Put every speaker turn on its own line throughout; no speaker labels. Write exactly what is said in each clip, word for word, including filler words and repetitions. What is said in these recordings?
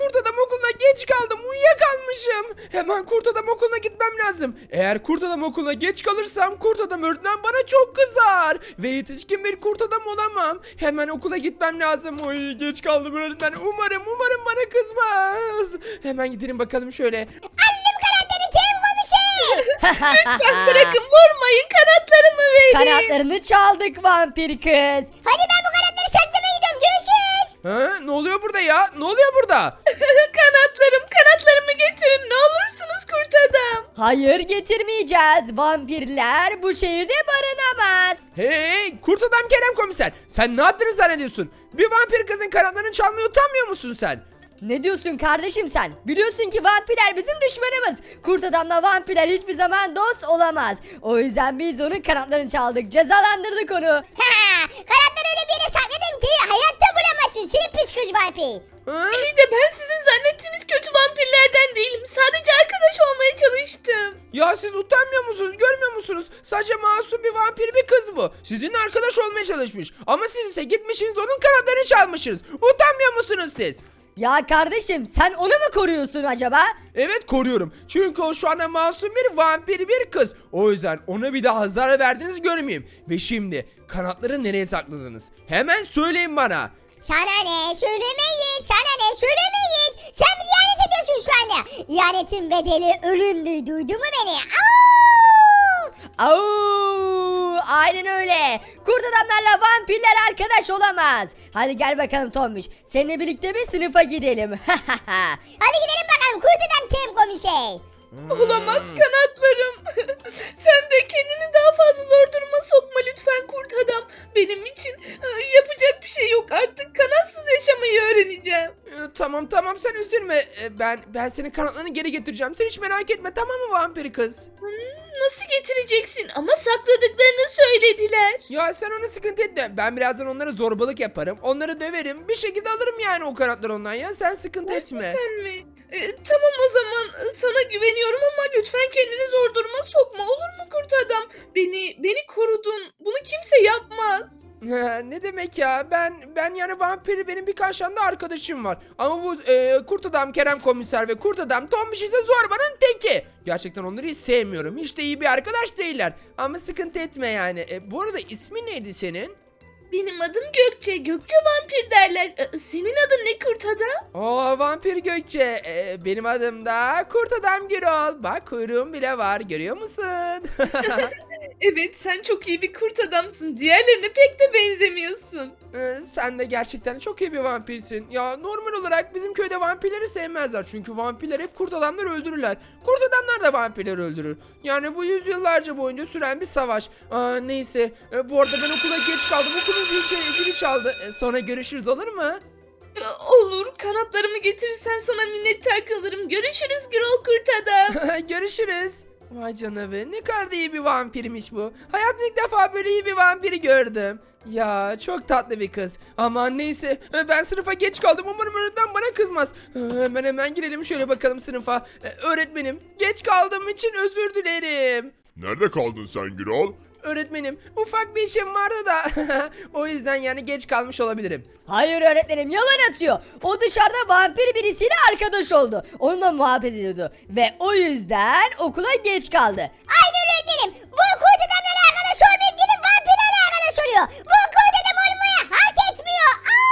kurt adam okuluna geç kaldım. Uyuyakalmışım. Hemen kurt adam okuluna gitmem lazım. Eğer kurt adam okuluna geç kalırsam kurt adam öğretmen bana çok kızar. Ve yetişkin bir kurt adam olamam. Hemen okula gitmem lazım. Oy geç kaldım öğretmen. Umarım umarım bana kızmaz. Hemen gidelim bakalım şöyle.
Annem karakteri Kerem komiser.
Lütfen bırakın vurmayın kanatlarımı verin.
Kanatlarını çaldık vampir kız.
Hadi ben bu karakteri saklamaya gidiyorum. Görüşürüz.
Ha, ne oluyor burada ya? Ne oluyor burada?
Kanatlarım kanatlarımı getirin ne olursunuz kurt adam.
Hayır getirmeyeceğiz. Vampirler bu şehirde barınamaz.
Hey kurt adam Kerem komiser. Sen ne yaptığını zannediyorsun? Bir vampir kızın kanatlarını çalmaya utanmıyor musun sen?
Ne diyorsun kardeşim sen? Biliyorsun ki vampirler bizim düşmanımız. Kurt adamla vampirler hiçbir zaman dost olamaz. O yüzden biz onun kanatlarını çaldık. Cezalandırdık onu.
Ha, karakteri öyle bir yere sakladım ki hayatta bulamazsın. Senin pis kız vampir.
Ha?
İyi de ben sizin zannettiğiniz kötü vampirlerden değilim. Sadece arkadaş olmaya çalıştım.
Ya siz utanmıyor musunuz? Görmüyor musunuz? Sadece masum bir vampir bir kız bu. Sizinle arkadaş olmaya çalışmış. Ama siz ise gitmişsiniz onun kanatlarını çalmışsınız. Utanmıyor musunuz siz?
Ya kardeşim sen onu mu koruyorsun acaba?
Evet koruyorum. Çünkü o şu anda masum bir vampir bir kız. O yüzden ona bir daha zarar verdiğinizi görmeyeyim. Ve şimdi kanatları nereye sakladınız? Hemen söyleyin bana.
Sana ne söylemeyiz. Sana ne söylemeyiz. Sen bizi ihanet ediyorsun şu anda. İhanetin bedeli ölümdü. Duydun mu beni? Au!
Au, aynen öyle. Kurt adamlarla vampirler arkadaş olamaz. Hadi gel bakalım Tombiş. Seninle birlikte bir sınıfa gidelim.
Hadi gidelim bakalım kurt adam Kerem komiser.
Olamaz kanatlarım. Sen de kendini daha fazla zor duruma sokma lütfen kurt adam. Benim için e, yapacak bir şey yok artık. Kanatsız yaşamayı öğreneceğim.
Ee, tamam tamam sen üzülme. Ee, ben ben senin kanatlarını geri getireceğim. Sen hiç merak etme tamam mı vampir kız?
Hmm, nasıl getireceksin? Ama sakladıklarını söylediler.
Ya sen ona sıkıntı etme. Ben birazdan onlara zorbalık yaparım. Onları döverim. Bir şekilde alırım yani o kanatları ondan ya. Sen sıkıntı etme.
Sen mi? E, tamam o zaman e, sana güveniyorum ama lütfen kendini zor duruma sokma olur mu kurt adam? Beni beni korudun. Bunu kimse yapmaz.
Ha, ne demek ya? Ben ben yani vampiri benim birkaç tane de arkadaşım var. Ama bu e, kurt adam Kerem komiser ve kurt adam Tombiş ise zorbanın teki. Gerçekten onları hiç sevmiyorum. Hiç de iyi bir arkadaş değiller. Ama sıkıntı etme yani. E, bu arada ismi neydi senin?
Benim adım Gökçe. Gökçe vampir derler. E, senin adın ne kurt adam?
Oo vampir Gökçe. E, benim adım da kurt adam Gürol. Bak kuyruğum bile var. Görüyor musun?
Evet sen çok iyi bir kurt adamsın. Diğerlerine pek de benzemiyorsun.
Ee, sen de gerçekten çok iyi bir vampirsin. Ya normal olarak bizim köyde vampirleri sevmezler. Çünkü vampirler hep kurt adamları öldürürler. Kurt adamlar da vampirleri öldürür. Yani bu yüzyıllarca boyunca süren bir savaş. Aa, neyse. Ee, bu arada ben okula geç kaldım. Okulun zili, zili çaldı. Ee, sonra görüşürüz olur mu?
E, olur kanatlarımı getirirsen sana minnettar kalırım. Görüşürüz Gürol kurt adam.
Görüşürüz. Vay canına ne kadar da iyi bir vampirmiş bu. Hayatımda ilk defa böyle iyi bir vampiri gördüm. Ya çok tatlı bir kız. Aman neyse ben sınıfa geç kaldım. Umarım öğretmen bana kızmaz. Hemen hemen girelim şöyle bakalım sınıfa. Öğretmenim geç kaldığım için özür dilerim.
Nerede kaldın sen Gürol?
Öğretmenim ufak bir işim vardı da o yüzden yani geç kalmış olabilirim.
Hayır öğretmenim yalan atıyor. O dışarıda vampir birisiyle arkadaş oldu. Onunla muhabbet ediyordu. Ve o yüzden okula geç kaldı.
Aynen öğretmenim. Bu kurt adamlarla arkadaş olmayıp gidip vampirlerle arkadaş oluyor. Bu kurt adam olmaya hak etmiyor.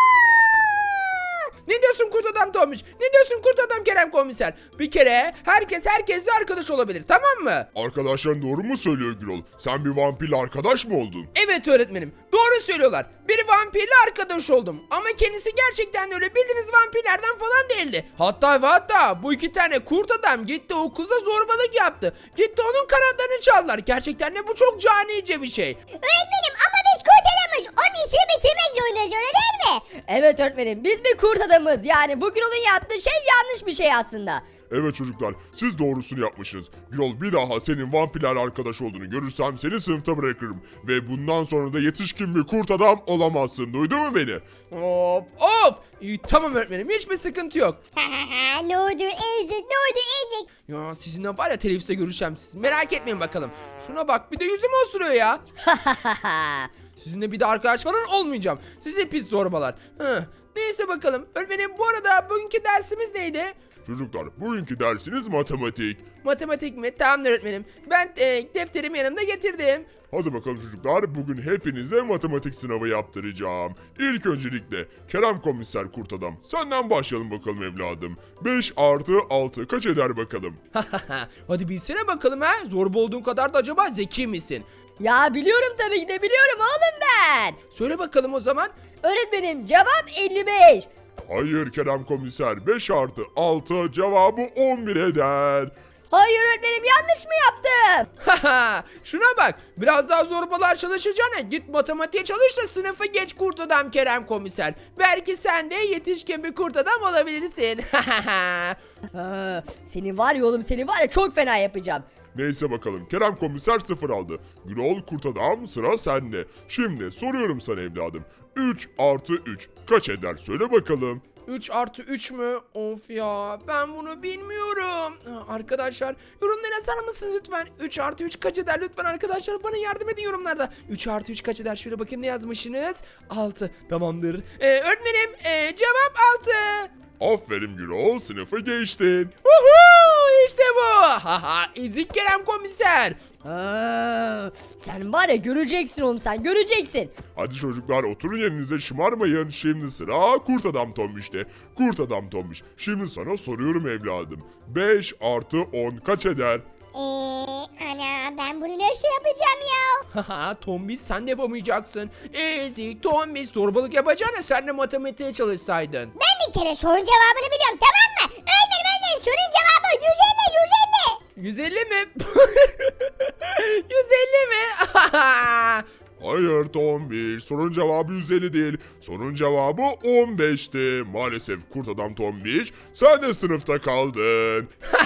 Aa!
Ne diyorsun kurt adam Tomuş? Ne diyorsun kurt adam Kerem komiser? Bir kere herkes herkesle arkadaş olabilir tamam mı?
Arkadaşların doğru mu söylüyor Gürol? Sen bir vampirle arkadaş mı oldun?
Evet öğretmenim. Doğru söylüyorlar. Bir vampirle arkadaş oldum. Ama kendisi gerçekten öyle bildiğiniz vampirlerden falan değildi. Hatta ve hatta bu iki tane kurt adam gitti o kıza zorbalık yaptı. Gitti onun kanatlarını çaldılar. Gerçekten de bu çok canice bir şey.
Öğretmenim ama biz kurt adamız. Onun işini bitirmek zorundayız öyle değil mi?
Evet öğretmenim biz bir kurt adamız. Yani bugün onun yaptığı şey yanlış bir şey aslında.
Evet çocuklar, siz doğrusunu yapmışsınız. Gürol bir daha senin vampirlerle arkadaş olduğunu görürsem seni sınıfta bırakırım. Ve bundan sonra da yetişkin bir kurt adam olamazsın. Duydun mu beni?
Of of. İyi, tamam öğretmenim hiçbir sıkıntı yok.
ne oldu ezik ne oldu ezik.
Ya sizinle var ya teneffüste görüşeceğim siz. Merak etmeyin bakalım. Şuna bak bir de yüzümü osuruyor ya. Sizinle bir de arkadaş falan olmayacağım. Sizi pis zorbalar. Hı, Neyse bakalım. Öğretmenim bu arada bugünkü dersimiz neydi?
Çocuklar bugünkü dersiniz matematik.
Matematik mi? Tamam öğretmenim. Ben e, defterimi yanımda getirdim.
Hadi bakalım çocuklar, bugün hepinize matematik sınavı yaptıracağım. İlk öncelikle Kerem Komiser Kurt Adam, senden başlayalım bakalım evladım. beş artı altı kaç eder bakalım?
Hadi bilsene bakalım ha. Zorba olduğun kadar da acaba zeki misin?
Ya biliyorum tabii ki de biliyorum oğlum ben.
Söyle bakalım o zaman.
Öğretmenim cevap elli beş.
Hayır Kerem Komiser, beş artı altı cevabı on bir eder.
Hayır öğretmenim yanlış mı yaptım?
Şuna bak. Biraz daha zorbalar çalışacağına git matematiğe çalış da sınıfı geç kurt adam Kerem Komiser. Belki sen de yetişkin bir kurt adam olabilirsin.
Ha, seni var ya oğlum seni var ya çok fena yapacağım.
Neyse bakalım, Kerem Komiser sıfır aldı. Gürol Kurt Adam, sıra sende. Şimdi soruyorum sana evladım. üç artı üç kaç eder söyle bakalım.
üç artı üç mü? Of ya, ben bunu bilmiyorum. Ha, Arkadaşlar yorumlara yazar mısınız lütfen? üç artı üç kaç eder lütfen arkadaşlar, bana yardım edin yorumlarda. üç artı üç kaç eder? Şöyle bakın ne yazmışsınız? altı. Tamamdır. Ee, öğretmenim ee, cevap altı.
Aferin Gürol, sınıfı geçtin.
Uhu, işte bu. Haha, ezik Kerem Komiser.
Ha, sen var ya göreceksin oğlum sen göreceksin.
Hadi çocuklar oturun yerinize, şımarmayın. Şimdi sıra Kurt Adam Tombiş'te. Kurt Adam Tombiş, şimdi sana soruyorum evladım. beş artı on kaç eder?
Eee ana ben bunu nasıl yapacağım ya?
Haha, Tombiş sen de yapamayacaksın. Ezik Tombiş, zorbalık yapacağına sen de matematiğe çalışsaydın.
Ben bir kere sorun cevabını biliyorum tamam mı? Öğretmenim öğretmenim sorun cevabı yüz elli yüz elli.
yüz elli mi? yüz elli mi?
Hayır Tombiş, sorunun cevabı yüz elli değil. Sorunun cevabı on beşti. Maalesef Kurt Adam Tombiş, sen de sınıfta kaldın.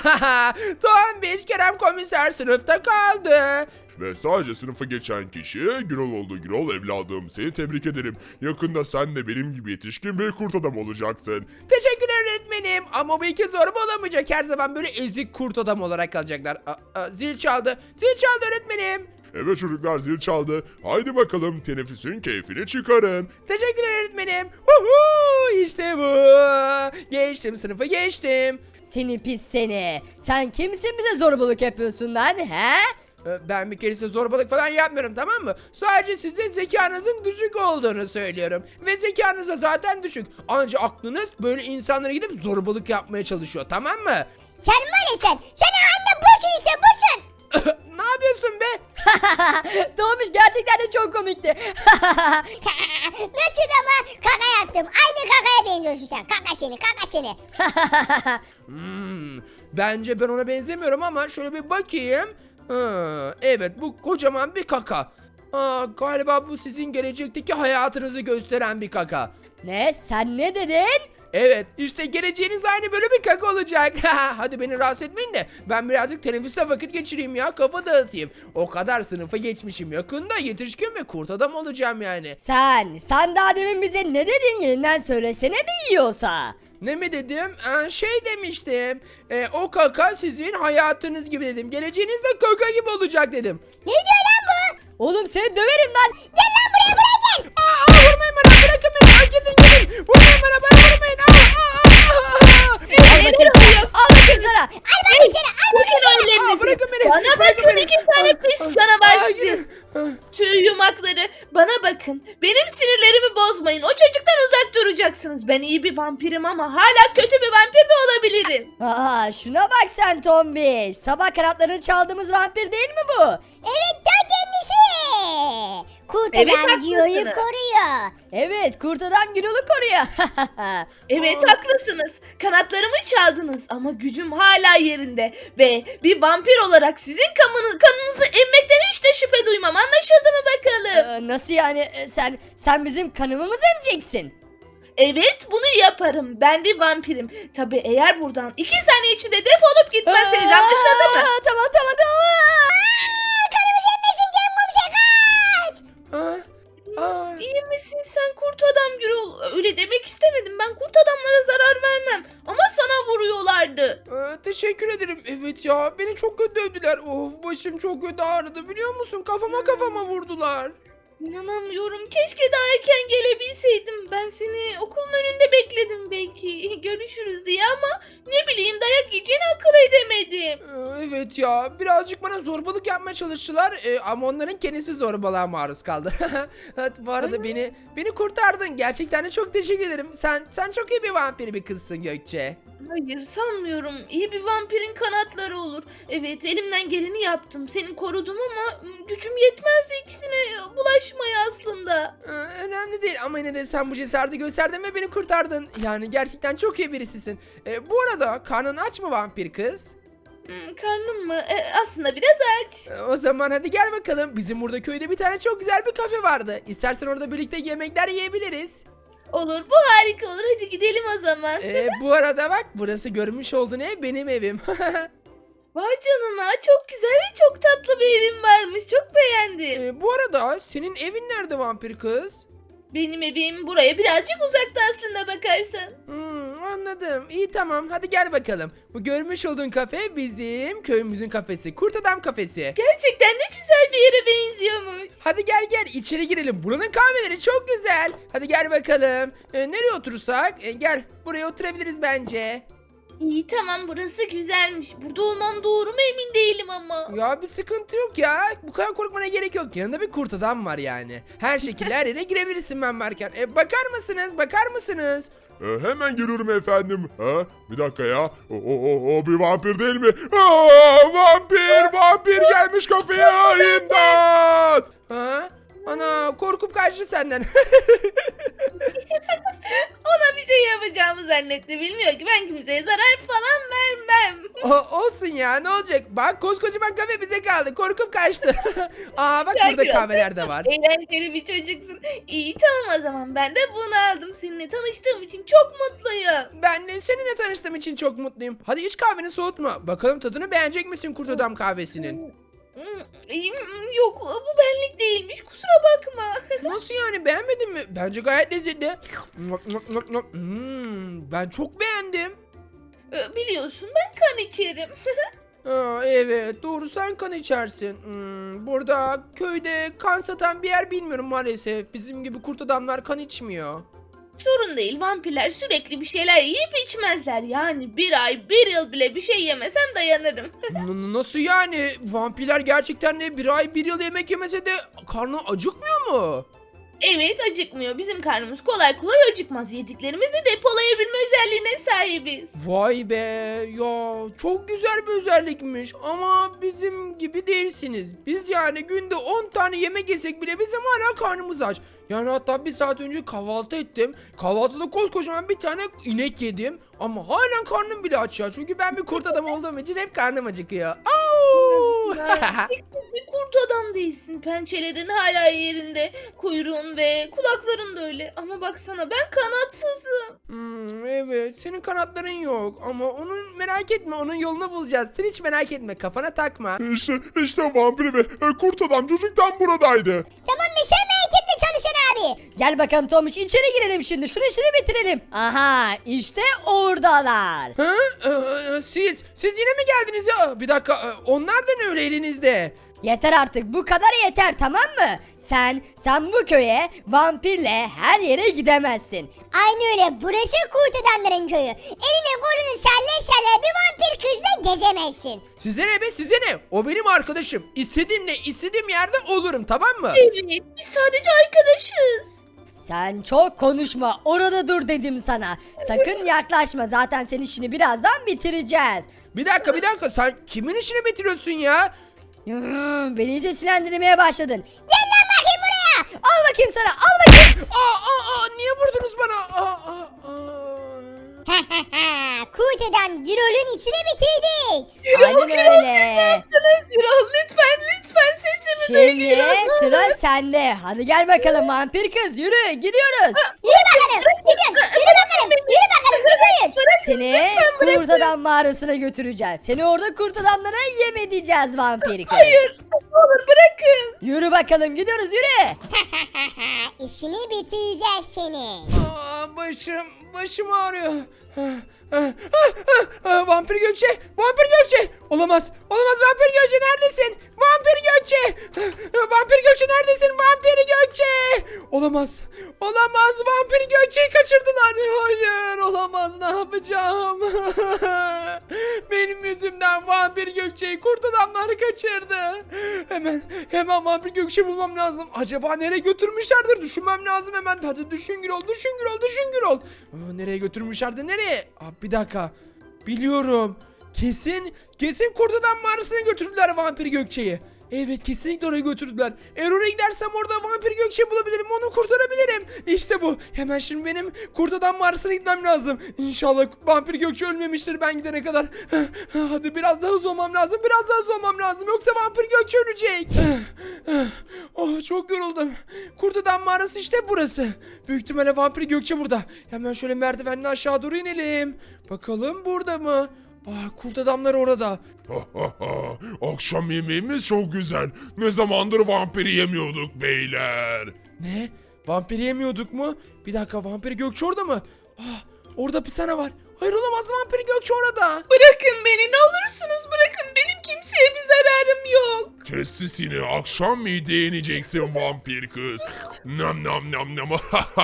Tombiş Kerem Komiser sınıfta kaldı.
Ve sadece sınıfı geçen kişi Gürol oldu. Gürol evladım, seni tebrik ederim. Yakında sen de benim gibi yetişkin bir kurt adam olacaksın.
Teşekkürler öğretmenim. Ama bu iki zorba olamayacak. Her zaman böyle ezik kurt adam olarak kalacaklar. Aa, aa, zil çaldı. Zil çaldı öğretmenim.
Evet çocuklar, zil çaldı. Haydi bakalım teneffüsün keyfini çıkarın.
Teşekkürler öğretmenim. Huhu, işte bu. Geçtim sınıfı geçtim.
Seni pis seni. Sen kimsin bize zorbalık yapıyorsun lan he?
Ee, Ben bir kere size zorbalık falan yapmıyorum, tamam mı? Sadece size zekanızın düşük olduğunu söylüyorum. Ve zekanız da zaten düşük. Ancak aklınız böyle insanlara gidip zorbalık yapmaya çalışıyor, tamam mı?
Sen var ya sen. Sen anne boşun işte boşun.
Ne yapıyorsun be?
Doğmuş gerçekten de çok komikti.
Nasıl ama kaka yaptım. Aynı kakaya benziyorsun sen. Kaka seni kaka seni.
Hmm, bence ben ona benzemiyorum ama şöyle bir bakayım. Ha, evet, bu kocaman bir kaka. Aa, galiba bu sizin gelecekteki hayatınızı gösteren bir kaka.
Ne sen ne dedin?
Evet, işte geleceğiniz aynı böyle bir kaka olacak. Hadi beni rahatsız etmeyin de ben birazcık teneffüste vakit geçireyim ya, kafa dağıtayım. O kadar sınıfı geçmişim, yakında yetişkin ve kurt adam olacağım yani.
Sen sen daha demin bize ne dedin yeniden söylesene bir yiyorsa.
Ne mi dedim? Ee, şey demiştim. Ee, o kaka sizin hayatınız gibi dedim. Geleceğiniz de kaka gibi olacak dedim.
Ne diyor lan bu?
Oğlum seni döverim lan.
Gel lan buraya buraya gel.
Aa, aa, vurmayın bana, bırakın beni. Aa, gidin gidin. Vurmayın bana, bana vurmayın. Aa, aa, aa, aa.
Al bakayım sana. Al bakayım sana.
Al bakayım seni al bakayım
Bakın
seni.
Aa,
önlerinizi.
bırakın beni.
Bana
Bırakın
bakın
beni.
iki tane
Aa,
pis
aa,
canavar
aa,
sizi.
gidin. Ah.
Tüy yumakları, bana bakın. Benim sinirlerimi bozmayın. O çocuktan uzak duracaksınız. Ben iyi bir vampirim ama hala kötü bir vampir de olabilirim.
Aa, şuna bak sen Tombiş. Sabah kanatlarını çaldığımız vampir değil mi bu?
Evet ta kendisi. Kurt
Evet,
adam
haklısınız.
Gio'yu koruyor.
Evet kurt adam Gürol'u koruyor.
Evet haklısınız. Kanatlarımı çaldınız ama gücüm hala yerinde. Ve bir vampir olarak sizin kanını, kanınızı emmekten hiç de şüphe duymam. Anlaşıldı mı bakalım?
Ee, nasıl yani Ee, sen sen bizim kanımızı emeceksin?
Evet bunu yaparım. Ben bir vampirim. Tabi eğer buradan iki saniye içinde defolup gitmezseniz anlaşıldı mı?
Aa, Tamam tamam tamam.
Kanımız emmesin Cem Komiser kaç.
Aa, aa.
İyi misin sen kurt adam Gürol? Öyle demek istemedim. Ben kurt adamlara zarar vermem. Ama sana vuruyorlardı.
Ee, teşekkür ederim. Evet ya, beni çok kötü dövdüler. Of, başım çok kötü ağrıdı biliyor musun? Kafama kafama vurdular.
İnanamıyorum. Keşke daha erken gelebilseydim. Ben seni okulun önünde bekledim belki. Görüşürüz diye ama ne bileyim dayak yiyeceğini akıl edemedim.
Ee, Evet ya, birazcık bana zorbalık yapmaya çalıştılar ee, ama onların kendisi zorbalığa maruz kaldı. Evet, bu arada beni beni kurtardın. Gerçekten de çok teşekkür ederim. Sen sen çok iyi bir vampir bir kızsın Gökçe.
Hayır sanmıyorum. İyi bir vampirin kanatları olur. Evet elimden geleni yaptım. Seni korudum ama ım, gücüm yetmezdi ikisine bulaşmaya aslında.
Ee, önemli değil ama yine de sen bu cesareti gösterdin ve beni kurtardın. Yani gerçekten çok iyi birisisin. Ee, bu arada karnın aç mı vampir kız?
Hmm, karnım mı? E, aslında biraz aç.
Ee, o zaman hadi gel bakalım. Bizim burada köyde bir tane çok güzel bir kafe vardı. İstersen orada birlikte yemekler yiyebiliriz.
Olur bu harika olur. Hadi gidelim o zaman.
Ee, bu arada bak, burası görmüş olduğun ev benim evim.
Vay canına çok güzel ve çok tatlı bir evin varmış. Çok beğendim.
Ee, bu arada senin evin nerede vampir kız?
Benim evim buraya birazcık uzakta aslında bakarsan.
Hmm, anladım. İyi tamam, hadi gel bakalım. Bu görmüş olduğun kafe bizim köyümüzün kafesi. Kurt Adam kafesi.
Gerçekten de güzel bir yere benziyormuş.
Hadi gel gel içeri girelim. Buranın kahveleri çok güzel. Hadi gel bakalım. Ee, nereye oturursak? Ee, gel buraya oturabiliriz bence.
İyi tamam burası güzelmiş. Burada olmam doğru mu emin değilim ama.
Ya bir sıkıntı yok ya. Bu kadar korkmana gerek yok. Yanında bir kurt adam var yani. Her şekilde her yere girebilirsin ben varken. E, bakar mısınız? Bakar mısınız?
Ee, hemen geliyorum efendim. Ha? Bir dakika ya. O, o, o, o bir vampir değil mi? Aa, vampir! Vampir gelmiş kafeye! İmdat!
Ha? Ana korkup kaçtı senden.
Ona bir şey yapacağımı zannetti. Bilmiyor ki ben kimseye zarar falan vermem.
O, olsun ya, ne olacak? Bak koskocaman kafe bize kaldı. Korkup kaçtı. Aa bak,
Ya
burada
Gürol,
kahveler de
çok
var.
Eğlenceli bir çocuksun. İyi tamam o zaman ben de bunu aldım. Seninle tanıştığım için çok mutluyum.
Ben de seninle tanıştığım için çok mutluyum. Hadi iç kahveni soğutma. Bakalım tadını beğenecek misin kurt adam kahvesinin?
Hmm, iyi, hmm, Yok bu benlik değilmiş kusura bakma.
Nasıl yani, beğenmedin mi? Bence gayet lezzetli. Hmm, ben çok beğendim.
Ee, Biliyorsun ben kan içerim.
Aa, evet doğru, sen kan içersin. Hmm, burada köyde kan satan bir yer bilmiyorum maalesef. Bizim gibi kurt adamlar kan içmiyor.
Sorun değil vampirler sürekli bir şeyler yiyip içmezler. Yani bir ay bir yıl bile bir şey yemesem dayanırım.
N- nasıl yani? Vampirler gerçekten de bir ay bir yıl yemek yemese de karnı acıkmıyor mu?
Evet acıkmıyor. Bizim karnımız kolay kolay acıkmaz. Yediklerimizi depolayabilme özelliğine sahibiz.
Vay be ya, çok güzel bir özellikmiş ama bizim gibi değilsiniz. Biz yani günde on tane yemek yesek bile bizim hala karnımız aç. Yani hatta bir saat önce kahvaltı ettim. Kahvaltıda koskocaman bir tane inek yedim. Ama hala karnım bile aç ya. Çünkü ben bir kurt adam olduğum için hep karnım acıkıyor. Au!
Ya, bir kurt adam değilsin. Pençelerin hala yerinde. Kuyruğun ve kulakların da öyle. Ama baksana ben kanatsızım.
Hmm, evet, senin kanatların yok ama onun merak etme, onun yolunu bulacağız. Sen hiç merak etme, kafana takma.
İşte, işte vampir ve e, kurt adam çocuktan buradaydı.
Tamam mı sen merak etme çalışan abi.
Gel bakalım Tomuş, içeri girelim şimdi. Şunu işini bitirelim. Aha, işte oradalar.
Ha? Ee, siz, siz yine mi geldiniz ya? Bir dakika, e, onlar da ne öyle elinizde?
Yeter artık, bu kadar yeter, tamam mı? Sen, sen bu köye vampirle her yere gidemezsin.
Aynı öyle, burası kurt adamların köyü. Eline kolunu salle salle bir vampir kızla gezemezsin.
Size ne be, size ne? O benim arkadaşım. İstediğimle istediğim yerde olurum, tamam mı?
Evet biz sadece arkadaşız.
Sen çok konuşma, orada dur dedim sana. Sakın yaklaşma, zaten senin işini birazdan bitireceğiz.
Bir dakika bir dakika, sen kimin işini bitiriyorsun ya?
Hmm, beni iyice sinirlendirmeye başladın. Gel lan bakayım buraya. Al bakayım sana, al bakayım.
Aa, aa, aa, niye vurdunuz bana? Aa, aa, aa.
Kurt adam Gürol'ün içine bitirdik.
Aynen öyle.
Yaptınız Gürol lütfen lütfen sesimi
Şimdi
duyun Gürol.
sıra sende. Hadi gel bakalım vampir kız, yürü, gidiyoruz.
Yürü bakalım gidiyoruz. Yürü bakalım. Yürü bakalım gidiyoruz.
Seni kurt adam mağarasına götüreceğiz. Seni orada kurt adamlara yem edeceğiz vampir kız.
Hayır ne olur bırakın.
Yürü bakalım, gidiyoruz, yürü.
İşini bitireceğiz seni.
Aa, başım, başım ağrıyor. Ah, ah, ah, ah, Vampir Gökçe! Vampir Gökçe! Olamaz! Olamaz Vampir Gökçe neredesin? Vampir Gökçe! Ah, Vampir Gökçe neredesin? Vampir Gökçe! Olamaz! Olamaz! Vampir Gökçe'yi kaçırdılar! Hayır! Olamaz! Ne yapacağım? Benim yüzümden Vampir Gökçe'yi kurt adamlar kaçırdı. Hemen hemen Vampir Gökçe'yi bulmam lazım. Acaba nereye götürmüşlerdir? Düşünmem lazım hemen. Hadi düşün Gürol, düşün Gürol, düşün Gürol. Aa, nereye götürmüşlerdi? Nereye? Aa, bir dakika. Biliyorum. Kesin, kesin kurt adam mağarasına götürdüler Vampir Gökçe'yi. Evet kesinlikle oraya götürdüler. Eğer oraya gidersem orada Vampir Gökçe'yi bulabilirim. Onu kurtarabilirim. İşte bu. Hemen şimdi benim kurt adam mağarasına gitmem lazım. İnşallah Vampir Gökçe ölmemiştir ben gidene kadar. Hadi biraz daha hızlı olmam lazım. Biraz daha hızlı olmam lazım. Yoksa Vampir Gökçe ölecek. Oh çok yoruldum. Kurt adam mağarası işte burası. Büyük ihtimalle Vampir Gökçe burada. Hemen şöyle merdivenle aşağı doğru inelim. Bakalım burada mı? Aa, kurt adamlar orada.
Akşam yemeğimiz çok güzel. Ne zamandır vampiri yemiyorduk beyler.
Ne? Vampir yemiyorduk mu? Bir dakika Vampir Gökçe orada mı? Ah, orada hapishane var. Hayır olamaz Vampir Gökçe orada.
Bırakın beni ne olursunuz bırakın. Benim kimseye bir zararım yok.
Kes sesini, akşam mideye ineceksin vampir kız. Nam nam nam nam.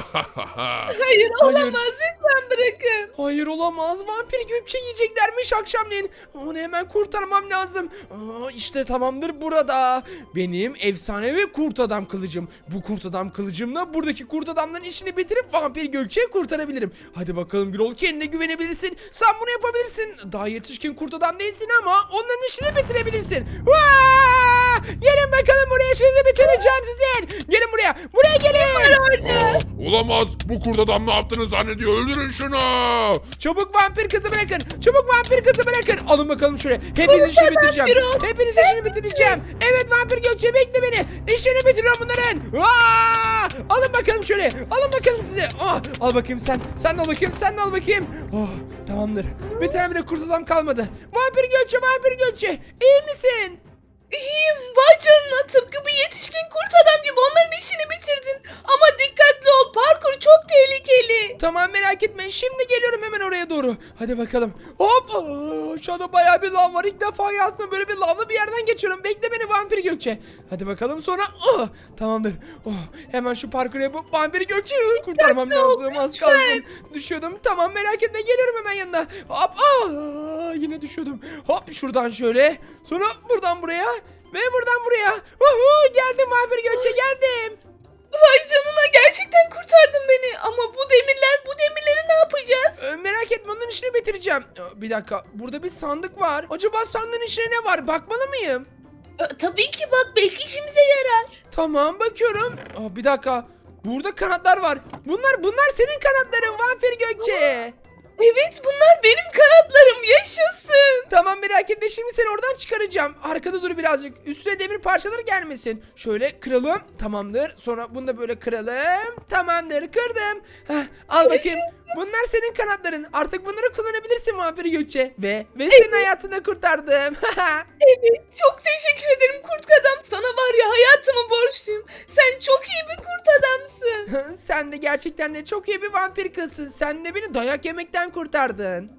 Hayır olamaz lütfen bırakın.
Hayır olamaz. Vampir Gökçe yiyeceklermiş akşamleyin. Onu hemen kurtarmam lazım. Aa, işte tamamdır burada. Benim efsanevi kurt adam kılıcım. Bu kurt adam kılıcımla buradaki kurt adamların işini bitirip Vampir Gökçe'yi kurtarabilirim. Hadi bakalım Gürol kendine güvenebilirsin. Sen bunu yapabilirsin. Daha yetişkin kurt adam değilsin ama onların işini bitirebilirsin. Vaa! Gelin bakalım buraya işinizi bitireceğim sizin. Gelin buraya. Buraya gelin.
Aa, olamaz. Bu kurt adam ne yaptığını zannediyor. Öldürün şunu.
Çabuk vampir kızı bırakın. Çabuk vampir kızı bırakın. Alın bakalım şuraya. Hepiniz işini bitireceğim. Hepiniz işini bitireceğim. Evet vampir Gökçe bekle beni. İşini bitiriyorum bunların. Aa! Alın bakalım şöyle. Alın bakalım size. Ah, al bakayım sen. Sen de al bakayım. Sen de al bakayım. Oh, tamamdır. Bir tane bile kurt adam kalmadı. Vampir Gökçe, vampir Gökçe. İyi misin?
İyiyim vay canına tıpkı bir yetişkin kurt adam gibi onların işini bitirdin. Ama dikkatli ol parkur çok tehlikeli.
Tamam merak etme. Şimdi geliyorum hemen oraya doğru. Hadi bakalım. Hop. Aa, aşağıda bayağı bir lav var. İlk defa hayatımda böyle bir lavlı bir yerden geçiyorum. Bekle beni vampir Gökçe. Hadi bakalım sonra. Oh, tamamdır. Oh, hemen şu parkuru yapıp vampir Gökçe'yi kurtarmam lazım. Az kalsın. Düşüyordum. Tamam merak etme. Geliyorum hemen yanına. Hop. Aa, yine düşüyordum. Hop şuradan şöyle. Sonra buradan buraya. Ve buradan buraya. Uhu, geldim vampir Gökçe geldim.
Vay canına gerçekten kurtardın beni. Ama bu demirler bu demirleri ne yapacağız?
Ee, merak etme onların işini bitireceğim. Ee, Bir dakika burada bir sandık var. Acaba sandığın içine ne var? Bakmalı mıyım?
Ee, tabii ki bak belki işimize yarar.
Tamam bakıyorum. Aa, bir dakika. Burada kanatlar var. Bunlar bunlar senin kanatların vampir Gökçe.
Evet bunlar benim kanatlarım yaşasın.
Tamam merak etme şimdi seni oradan çıkaracağım. Arkada dur birazcık. Üstüne demir parçaları gelmesin. Şöyle kıralım. Tamamdır. Sonra bunu da böyle kıralım. Tamamdır kırdım. Heh, al bakayım. Bunlar senin kanatların. Artık bunları kullanabilirsin vampir Gökçe. Ve ve senin hayatını kurtardım.
Evet çok teşekkür ederim kurt adam. Sana var ya hayatımı borçluyum. Sen çok iyi bir kurt adamsın.
Sen de gerçekten de çok iyi bir vampir kızsın. Sen de beni dayak yemekten kurtardın.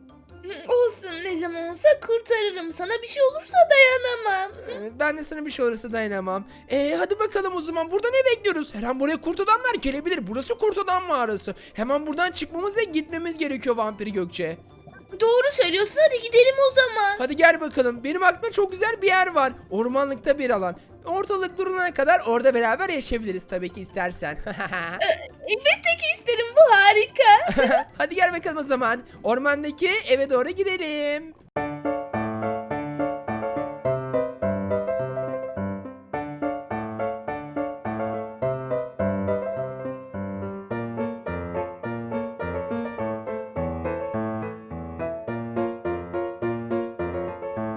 Olsun ne zaman olsa kurtarırım. Sana bir şey olursa dayanamam.
Ee, Ben de sana bir şey olursa dayanamam. Ee, hadi bakalım o zaman. Burada ne bekliyoruz? Her an buraya kurt adamlar gelebilir. Burası kurt adam mağarası. Hemen buradan çıkmamız ve gitmemiz gerekiyor vampir Gökçe.
Doğru söylüyorsun hadi gidelim o zaman.
Hadi gel bakalım. Benim aklımda çok güzel bir yer var. Ormanlıkta bir alan. Ortalık durulana kadar orada beraber yaşayabiliriz tabii ki istersen.
Elbette ki isterim bu harika.
Hadi gel bakalım o zaman. Ormandaki eve doğru gidelim.